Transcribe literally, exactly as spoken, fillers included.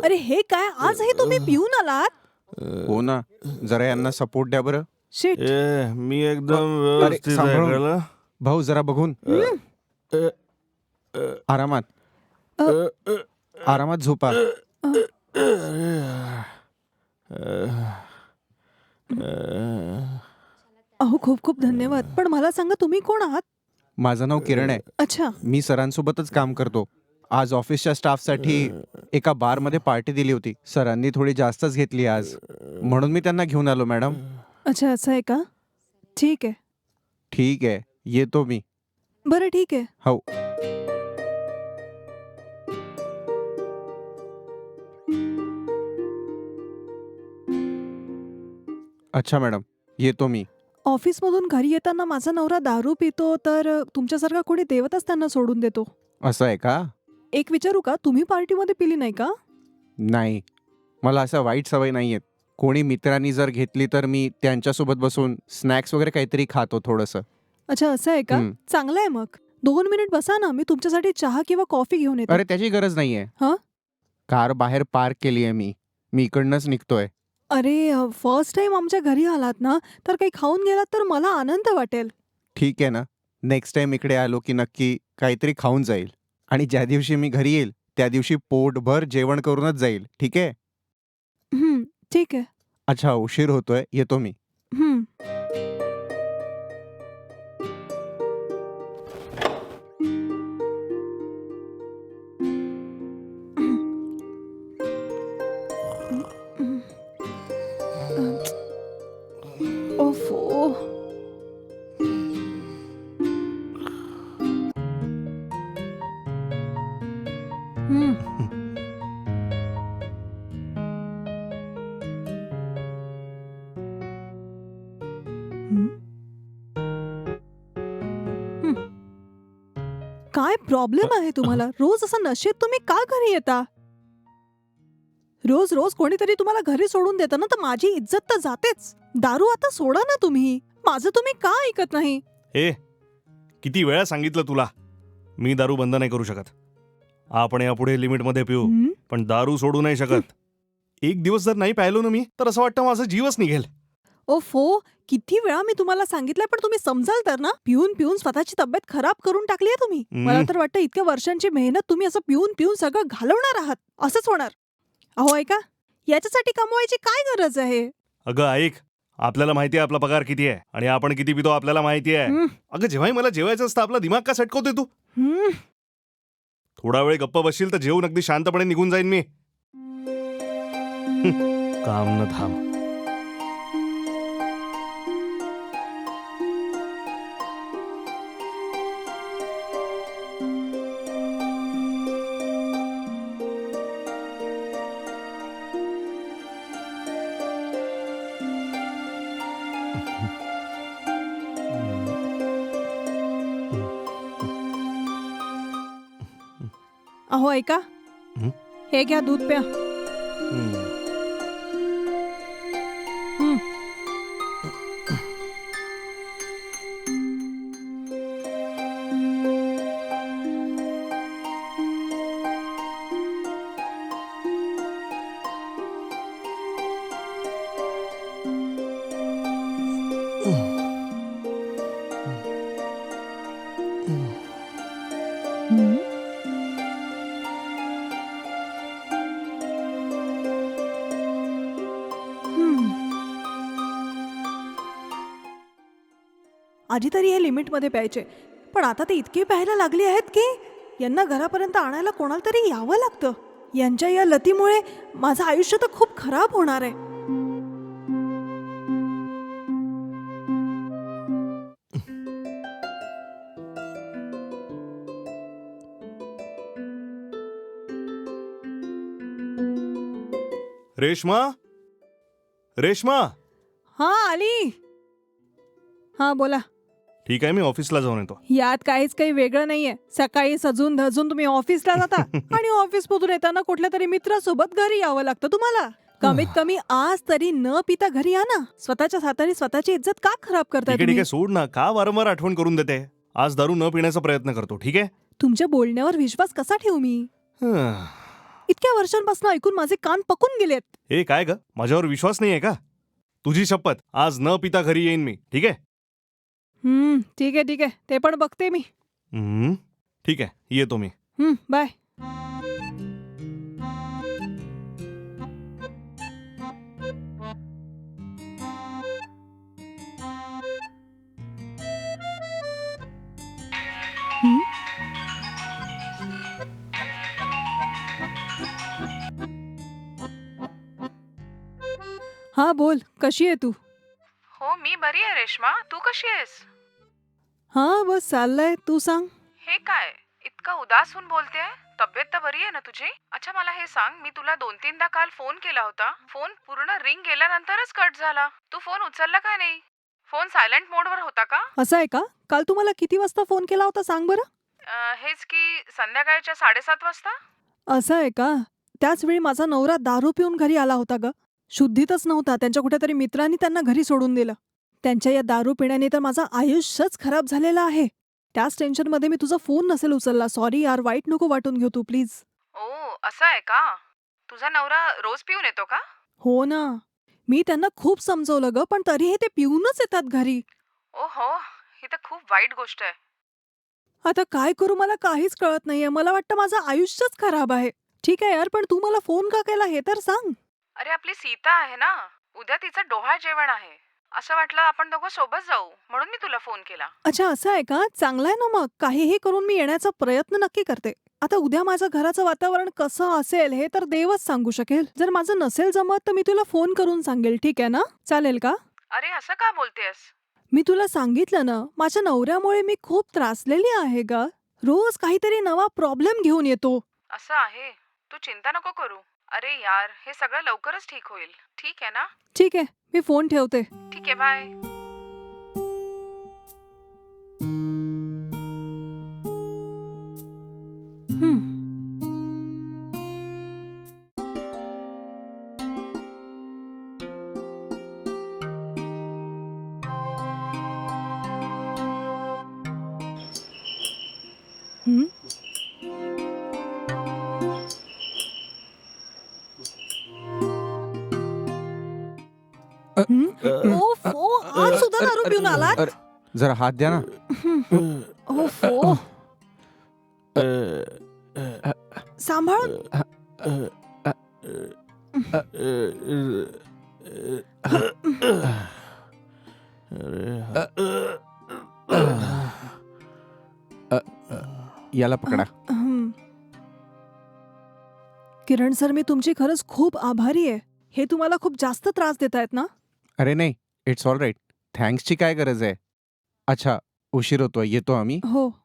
अरे हे काय, आजही तुम्ही पिऊन आलात? हो ना, जरा यांना सपोर्ट द्या बरं. शिट. ए, मी एकदम अरे व्यवस्थित आहे सांभाळून. कळलं? भाऊ जरा बघून. आरामात आरामात झोपा. अहो खूप खूप धन्यवाद. पण मला सांगा, तुम्ही कोण आहात? माझं नाव किरण आहे. अच्छा. मी सरांसोबतच काम करतो. आज ऑफिसच्या स्टाफसाठी एका बारमध्ये पार्टी दिली होती. सरांनी थोडी जास्तच घेतली आज, म्हणून मी त्यांना घेऊन आलो मॅडम. अच्छा, असं आहे का? ठीक आहे. ठीक आहे, येतो मी. बरं ठीक आहे. हो. अच्छा मॅडम, येतो मी. ऑफिसमधून घरी येताना माझा नवरा दारू पितो, तर अ, तुमच्यासारखा कोणी देवतच त्यांना सोडून देतो. असं आहे का? एक विचारू का, तुम्ही पार्टीमध्ये पिली नाही का? नाही, मला असं वाईट सवय नाही आहेत. कोणी मित्रांनी जर घेतली तर मी त्यांच्यासोबत बसून स्नॅक्स वगैरे काहीतरी खातो थोडंसं. अच्छा, असं आहे का? हं. चांगलं आहे मग. दोन मिनिट बसा ना, मी तुमच्यासाठी चहा किंवा कॉफी घेऊन येते. अरे त्याची गरज नाहीये. हं? कार बाहेर पार्क केली आहे मी. मी इकडनंच निघतोय. अरे फर्स्ट टाइम आमच्या घरी आलात ना, तर काही खाऊन गेलात तर मला आनंद वाटेल. ठीक आहे ना, नेक्स्ट टाइम इकडे आलो की नक्की काहीतरी खाऊन जाईल. आणि ज्या दिवशी मी घरी येईल त्या दिवशी पोटभर जेवण करूनच जाईल. ठीक आहे? हं, ठीक आहे. अच्छा, उशीर होतोय, येतो मी. हं. ओफो. हं. हं? हं. काय प्रॉब्लेम आहे तुम्हाला? रोज असं नशेत तुम्ही का घरी येता? रोज रोज कोणीतरी तुम्हाला घरी सोडून देतं ना, तर माझी इज्जत तर जातेच. दारू आता सोडा ना तुम्ही. माझं तुम्ही का ऐकत नाही? ए, किती वेळा सांगितलं तुला, मी दारू बंद नाही करू शकत. आपण यापुढे लिमिटमध्ये पिऊ, हं? पण दारू सोडू नाही शकत. एक दिवस जर नाही प्यायलो ना मी, तर असं वाटतं माझा जीवच निघेल. ओफो, किती वेळा मी तुम्हाला सांगितलंय, पण तुम्ही समजाल तर ना. पिऊन पिऊन स्वतःची तब्येत खराब करून टाकली आहे तुम्ही. हं. मला तर वाटतं इतक्या वर्षांची मेहनत तुम्ही असं पिऊन पिऊन सगळं घालवणार आहात. असंच होणार. अहो ऐका, याच्यासाठी कमवायची काय गरज आहे? अगं ऐक, आपल्याला माहिती आहे आपला पगार किती आहे आणि आपण किती पितो आपल्याला माहिती आहे. हं, अगं जेव्हाही मला जेवायचं असतं आपला दिमाग का सटकवते तू? हं. थोडा वेळ गप्प बसशील तर जेवून अगदी शांतपणे निघून जाईन मी. हं, काम न थांब. अहो ऐका, हं? हे घ्या दूध प्या. हं. हं. हं? हं. आधी तरी हे लिमिटमध्ये प्यायचे, पण आता ते इतके प्यायला लागले आहेत की यांना घरापर्यंत आणायला कोणाला तरी यावं लागतं. यांच्या या लतीमुळे माझं आयुष्य तर खूप खराब होणार आहे. रेश्मा, रेश्मा. हा आली. हा बोला. ठीक आहे, मी ऑफिसला जाऊन येतो. यात काहीच काही वेगळं नाहीये. सकाळी सजून धजून तुम्ही ऑफिसला जाता आणि ऑफिसमधून येताना कुठल्या तरी मित्रासोबत घरी यावं लागतं तुम्हाला. कमीत कमी आज तरी न पिता घरी या ना. स्वतःच्या हाताने स्वतःची इज्जत का खराब करताय ठीक आहे ठीक तुम्ही? आहे, सोड ना. का वारंवार आठवण करून देते? आज दारू न पिण्याचा प्रयत्न करतो. ठीक आहे. तुमच्या बोलण्यावर विश्वास कसा ठेवू मी? हं. इतक्या वर्षांपासून ऐकून माझे कान पकून गेलेत. ए काय ग, माझ्यावर विश्वास नाहीये का? तुझी शपथ, आज न पिता घरी येईन मी, ठीक आहे? हम्म ठीक आहे ठीक आहे, ते पण बघते मी. हम्म, ठीक आहे, येतो मी. हम्म बाय. हम्म? हा बोल, कशी आहे तू? हो मी बरी आहे रेश्मा. तू कशी आहेस? हा बस चाललंय, तू सांग. हे काय इतकं उदास होऊन बोलतेय? तब्येत तर बरी आहे ना तुझी? अच्छा मला हे सांग, मी तुला दोन तीनदा काल फोन केला होता. फोन पूर्ण रिंग गेल्यानंतरच कट झाला. तू फोन उचलला का नाही? फोन सायलेंट मोडवर होता का? असं आहे का? काल तुम्हाला किती वाजता फोन केला होता सांग बरं. अं, हेच की संध्याकाळच्या साडेसात वाजता. असं आहे का? त्याच वेळी माझा नवरा दारू पिऊन घरी आला होता ग. शुद्धीतच नव्हता. त्यांच्या कुठेतरी मित्रांनी त्यांना घरी सोडून दिलं. त्यांच्या या दारू पिण्याने तर माझं आयुष्यच खराब झालेलं आहे. त्याच टेन्शनमध्ये मी तुझा फोन नसेल उचलला. सॉरी यार, वाईट नको वाटून घेऊ तू प्लीज. ओ असं आहे का? तुझा नवरा रोज पिऊन येतो का? हो ना, मी त्यांना खूप समजवलं ग, पण तरीही ते पिऊनच येतात घरी. ओ हो, ही तर खूप वाईट गोष्ट आहे. आता काय करू मला काहीच कळत नाहीये. मला वाटतं माझं आयुष्यच खराब आहे. ठीक आहे यार, पण तू मला फोन का केला हे तर सांग. अरे आपली सीता आहे ना, उद्या तिचं डोहाळ जेवण आहे. असं वाटलं आपण दोघं सोबत जाऊ, म्हणून मी तुला फोन केला. अच्छा असं आहे का? चांगलं आहे ना मग. काहीही करून मी येण्याचा प्रयत्न नक्की करते. आता उद्या माझं घराचं वातावरण कसं असेल हे तर देवच सांगू शकेल. जर माझं नसेल जमत तर मी तुला फोन करून सांगेल, ठीक आहे ना? चालेल का? अरे असं का बोलतेस? मी तुला सांगितलं ना, माझ्या नवऱ्यामुळे मी खूप त्रासलेली आहे ग. रोज काहीतरी नवा प्रॉब्लेम घेऊन येतो. असं आहे, तू चिंता नको करू. अरे यार, हे सगळं लवकरच ठीक होईल. ठीक आहे ना? ठीक आहे, मी फोन ठेवते. ठीक आहे, बाय. हं. हं? हं? ओफ, ओ, आज सुद्धा दारू पिऊन आलात? अरे, जरा हात द्या ना. ओफ, ओ. सांभाळ. याला पकडा. हं. किरण सर, मी तुमची खरंच खूप आभारी आहे. हे तुम्हाला खूप जास्त त्रास देत आहेत ना? अरे नाही, इट्स ऑल राईट. थँक्सची काय गरज आहे? अच्छा, उशीर होतोय, येतो आम्ही. हो.